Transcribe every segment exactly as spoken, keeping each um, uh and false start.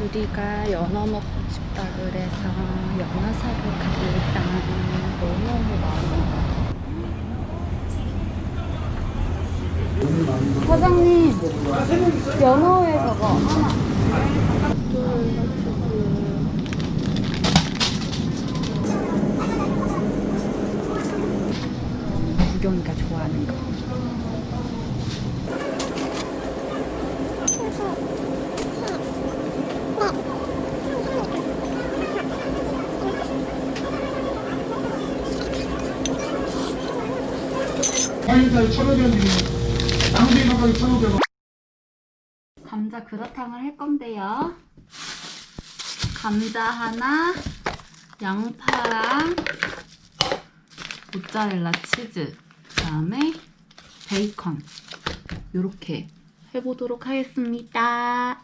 우리가 연어 먹고 싶다 그래서 연어 사러 갑니다. 너무 많아. 사장님, 연어회 저거 하나. 구경이가 좋아하는 거. 화일달 천오백 원 드리면 쌍둥이 가격이 천오백 원. 감자 그라탕을 할 건데요. 감자 하나, 양파랑 모짜렐라 치즈, 그다음에 베이컨 이렇게 해보도록 하겠습니다.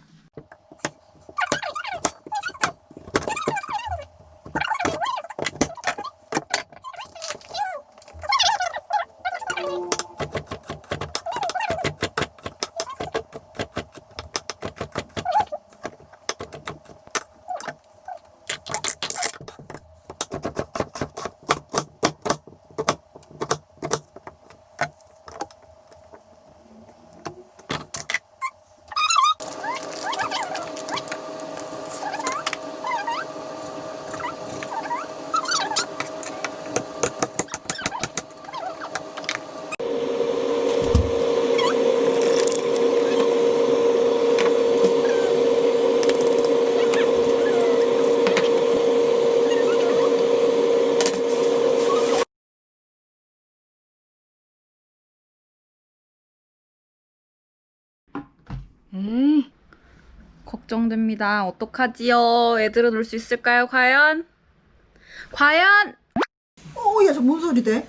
에이, 걱정됩니다. 어떡하지요? 애들은 올 수 있을까요? 과연? 과연? 어, 야, 저 뭔 소리 돼?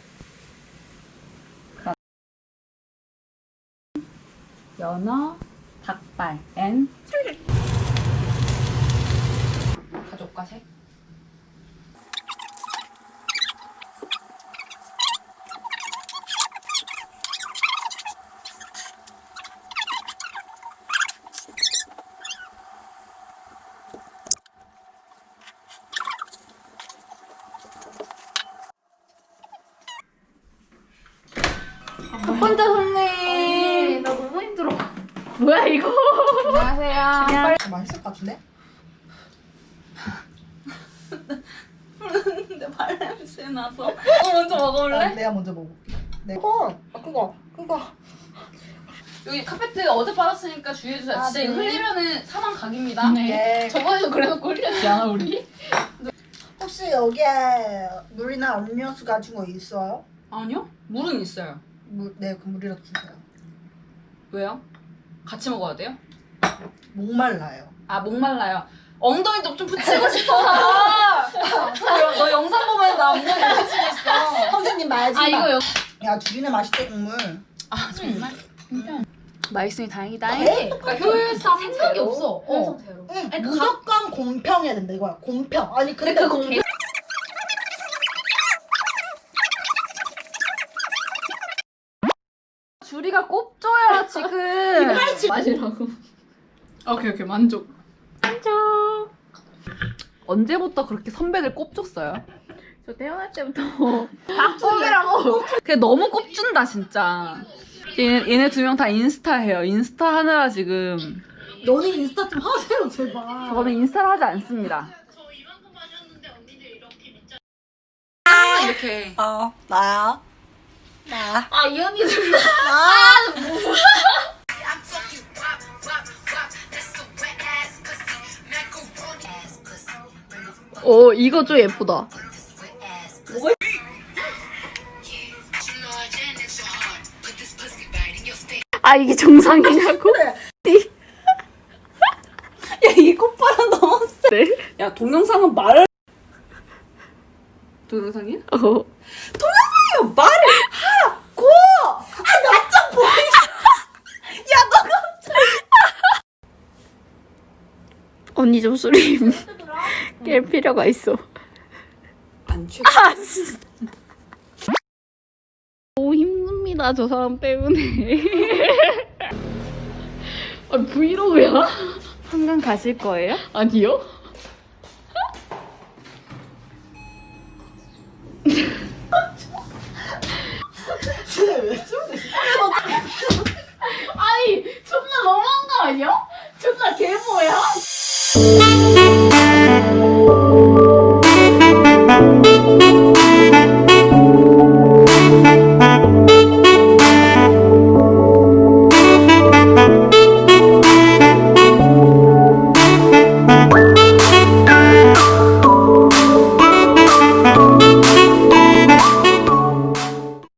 연어, 닭발, 앤 가족과 색. 첫 번째 손님. 나 너무 힘들어. 뭐야 이거? 안녕하세요. 아, 맛있을 것 같은데? 근데 발냄새 나서. 어 먼저 먹어볼래? 아, 내가 먼저 먹어볼게. 네. 어, 아, 그거, 그거. 여기 카페트 어제 빨았으니까 주의해주세요. 아, 진짜 네. 이거 흘리면은 사망 각입니다. 네. 저번에도 그래놓고 흘렸지 않아 우리? 혹시 여기에 물이나 음료수 가진 거 있어요? 아니요. 물은 있어요. 물, 네, 그 물이라도 주세요. 왜요? 같이 먹어야 돼요? 목말라요. 아 목말라요. 엉덩이도 좀 붙이고 싶어서. 너, 너 영상 보면 나 엉덩이 붙이고 있어. 선생님 말지 마. 아 이거 여... 야, 둘이나 맛있대, 국물. 아 정말? 음. 맛있으니 다행이다. 네? 그러니까 효율상 생각이 없어. 어. 응, 아니, 그 무조건 공평해야 된다, 이거야. 공평. 아니, 근데 그 공... 줄이가 꼽줘요 지금. 마시라고. 오케이 오케이 만족. 만족. 언제부터 그렇게 선배들 꼽줬어요? 저 태어날 때부터 꼽이라고. 그게 너무 꼽준다 진짜. 얘네, 얘네 두 명 다 인스타 해요. 인스타 하느라 지금. 너네 인스타 좀 하세요, 제발. 저는 인스타를 하지 않습니다. 이렇게. 어, 나야. 나. 아 이 언니들 오 이거 좀 예쁘다. 아 이게 정상이냐고? 야이 꽃바람 너무 세. 야 동영상은 말. 동영상이야? 어. 동영상이요, 말을 하고! 아, 나 좀 보이. 야, 너가. 언니 좀 소리 깰 필요가 있어. 안 취해. 아, 너무 힘듭니다 저 사람 때문에. 아 브이로그야? 한강 가실 거예요? 아니요? 아니 존나 너무한 거 아니야? 존나 개모야?